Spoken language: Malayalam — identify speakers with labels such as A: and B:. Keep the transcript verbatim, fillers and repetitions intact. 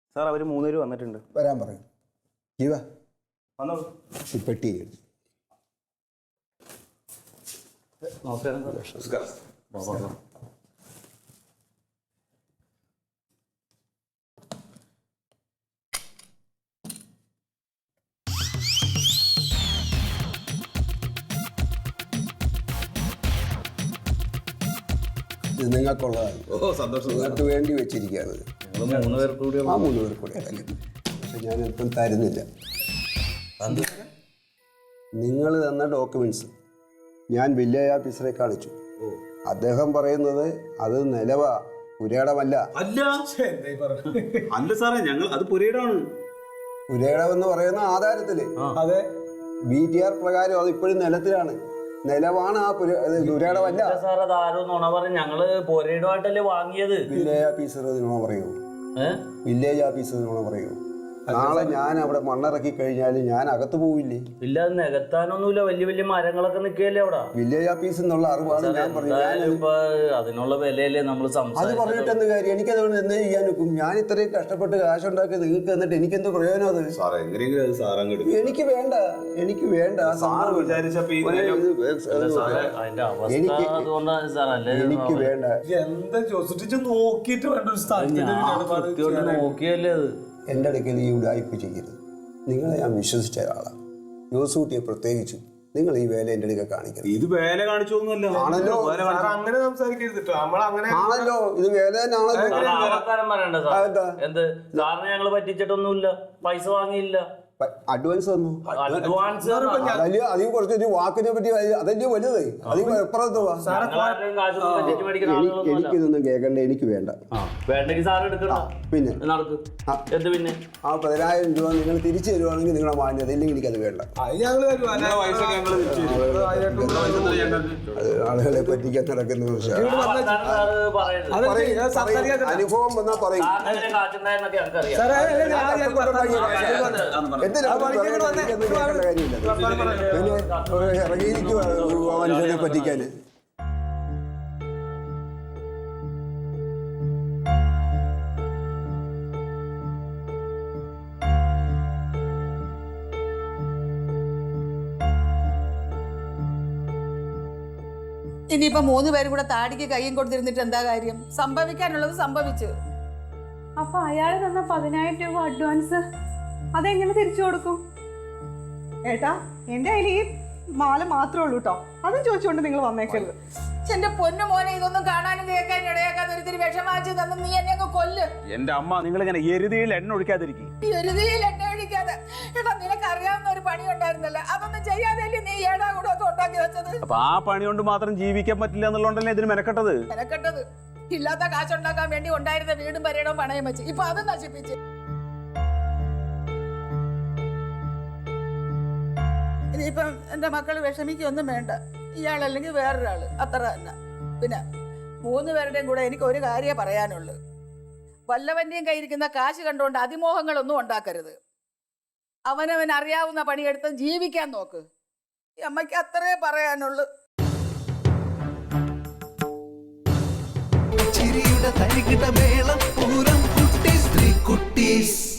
A: സാർ അവർ മൂന്നുപേര് വന്നിട്ടുണ്ട്.
B: വരാൻ പറയും. ജീവ
A: വന്നോളൂ.
B: ഈ പെട്ടി
A: നമസ്കാരം. നമസ്കാരം.
B: ഇത് നിങ്ങൾക്കുള്ളതാണ്.
A: ഓ സന്തോഷം.
B: നിങ്ങൾക്ക് വേണ്ടി വെച്ചിരിക്കുകയാണ്.
A: മൂന്ന് പേർക്ക് കൂടി
B: ആ മൂന്ന് പേർക്ക് കൂടി അല്ലേ. പക്ഷെ ഞാൻ ഇപ്പം തരുന്നില്ല. നിങ്ങൾ തന്ന ഡോക്യുമെന്റ്സ് ഞാൻ വില്ലേജ് ഓഫീസറെ കാണിച്ചു. അദ്ദേഹം പറയുന്നത് അത് നിലവാ, പുരയിടമല്ല.
A: അല്ല അല്ല സാറേ, ഞങ്ങൾ അത് പുരയിടമാണ്.
B: പുരയിടം എന്ന് പറയുന്ന ആധാരത്തില്
C: അതെ
B: ബി ടി ആർ പ്രകാരം അത് ഇപ്പോഴും നിലത്തിലാണ്. നിലവാണ് ആ പുരയിടമല്ല.
D: സാർ അത് ആരോ നുണ പറഞ്ഞു. ഞങ്ങള് പുരയിടമായിട്ടല്ലേ വാങ്ങിയത്.
B: വില്ലേജ് ഓഫീസർ നുണ പറയൂ. വില്ലേജ് ഓഫീസർ നുണ പറയൂ. നാളെ ഞാൻ അവിടെ മണ്ണിറക്കി കഴിഞ്ഞാൽ ഞാൻ അകത്ത് പോവില്ലേ?
D: ഇല്ല, അത് നികത്താനൊന്നുമില്ല. വലിയ വലിയ മരങ്ങളൊക്കെ നിൽക്കുകയല്ലേ അവിടെ.
B: വില്ലേജ് ഓഫീസ് എന്നുള്ള അറിവാണ് ഞാൻ പറഞ്ഞത്.
D: അതിനുള്ള വിലയല്ലേ നമ്മൾ
B: അത് പറഞ്ഞിട്ടെന്ത് കാര്യം? എനിക്കതുകൊണ്ട് എന്ത് ചെയ്യാൻ നോക്കും? ഞാൻ ഇത്രയും കഷ്ടപ്പെട്ട് കാശുണ്ടാക്കി നിങ്ങൾക്ക് എന്നിട്ട് എനിക്കെന്ത് പ്രയോജനം? അത് എനിക്ക് വേണ്ട, എനിക്ക് വേണ്ട. എനിക്ക് എനിക്ക് വേണ്ട.
C: എന്താ നോക്കിട്ട് വേണ്ട.
D: നോക്കിയല്ലേ അത്.
B: എൻ്റെ അടുക്കൽ ഈ ഉടായ്പ ചെയ്യരുത്. നിങ്ങളെ ഞാൻ വിശ്വസിച്ച ഒരാളാണ്. ജോസൂട്ടിയെ പ്രത്യേകിച്ചു. നിങ്ങൾ ഈ വേല എൻ്റെ അടുക്ക കാണിക്കരുത്.
A: ഇത് വേല കാണിച്ചോന്നല്ലോ.
B: ആണല്ലോ,
C: അങ്ങനെ സംസാരിക്കരുത്.
B: ആണല്ലോ, ഇത് വേല
D: പറയണ്ട സാർ. എന്ത് സാറിന് ഞങ്ങള് പറ്റിച്ചിട്ടൊന്നുമില്ല. പൈസ വാങ്ങിയില്ല.
B: അഡ്വാൻസ് തന്നു.
D: അഡ്വാൻസ്
B: അതല്ലേ അധികം കുറച്ചൊരു വാക്കിനെ പറ്റി അതല്ലേ വലുത്. അധികം എപ്പുറത്ത് എനിക്കിതൊന്നും കേൾക്കണ്ട. എനിക്ക് വേണ്ട.
D: വേണ്ടെങ്കിൽ സാർ എടുക്കണ്ട.
B: പിന്നെ
D: എന്ത് പിന്നെ
B: ആ പതിനായിരം രൂപ നിങ്ങൾ തിരിച്ചു തരുവാണെങ്കിൽ നിങ്ങളെ മാന്യത, ഇല്ലെങ്കിൽ എനിക്കത് വേണ്ട. ആളുകളെ പറ്റിക്കാൻ നടക്കുന്ന അനുഭവം വന്നാ പറയും. ഇറങ്ങിയിരിക്കുക മനുഷ്യനെ പറ്റിക്കാന്.
E: ഇനിയിപ്പോ മൂന്ന് പേരും കൂടെ താടിക്ക് കയ്യും കൊടുത്തിരുന്നിട്ട് എന്താ കാര്യം? സംഭവിക്കാനുള്ളത് സംഭവിച്ചു.
F: അപ്പൊ അയാൾ തന്ന പതിനായിരം രൂപ അഡ്വാൻസ് അതെങ്ങനെ തിരിച്ചു കൊടുക്കും? ഏട്ടാ, എന്റെ കയ്യിൽ ഈ മാല മാത്രമേ ഉള്ളൂ കേട്ടോ. അതും ചോദിച്ചുകൊണ്ട് നിങ്ങൾ വന്നേക്കരുത്.
E: എന്റെ പൊന്നു മോനെ, ഇതൊന്നും കാണാനും കേൾക്കാനും ഇടയാക്കാതെ ഒരിത്തിരി വിഷമാച്ചു തന്നു നീ എന്നെ അങ്ങ് കൊല്ല്.
A: എന്റെ അമ്മ, നിങ്ങൾ ഇങ്ങനെ എരുതിയിൽ എണ്ണ ഒഴിക്കാതിരിക്കും.
E: എരുതിയിൽ എണ്ണ ഒഴിക്കാതെ എടാ, നിനക്ക് അറിയാവുന്ന ഒരു പണി ഉണ്ടായിരുന്നല്ലോ, അതൊന്നും ചെയ്യാതല്ലേ നീ ഏടാ കൂടെ ഒക്കെ ഉണ്ടാക്കി വെച്ചത്.
A: അപ്പൊ ആ പണി കൊണ്ട് മാത്രം ജീവിക്കാൻ പറ്റില്ല എന്നുള്ളതല്ലേ ഇതിന് മെനക്കെട്ടത്.
E: മെനക്കെട്ടത് ഇല്ലാത്ത കാശുണ്ടാക്കാൻ വേണ്ടി ഉണ്ടായിരുന്ന വീടും പരേടവും പണയം വെച്ച് ഇപ്പൊ അത് നശിപ്പിച്ച്. ഇനിയിപ്പം എന്റെ മക്കള് വിഷമിക്കൊന്നും വേണ്ട. ഇയാളല്ലെങ്കിൽ വേറൊരാള്, അത്ര തന്നെ. പിന്നെ മൂന്ന് പേരുടെയും കൂടെ എനിക്ക് ഒരു കാര്യമേ പറയാനുള്ളൂ. വല്ലവന്റെയും കയ്യിരിക്കുന്ന കാശ് കണ്ടുകൊണ്ട് അതിമോഹങ്ങളൊന്നും ഉണ്ടാക്കരുത്. അവനവൻ അറിയാവുന്ന പണിയെടുത്ത് ജീവിക്കാൻ നോക്ക്. ഈ അമ്മയ്ക്ക് അത്രേ പറയാനുള്ളൂ.
G: ചിരിയുടെ തരികിട മേളം പൂരം കുട്ടീസ് ത്രീ കുട്ടീസ്.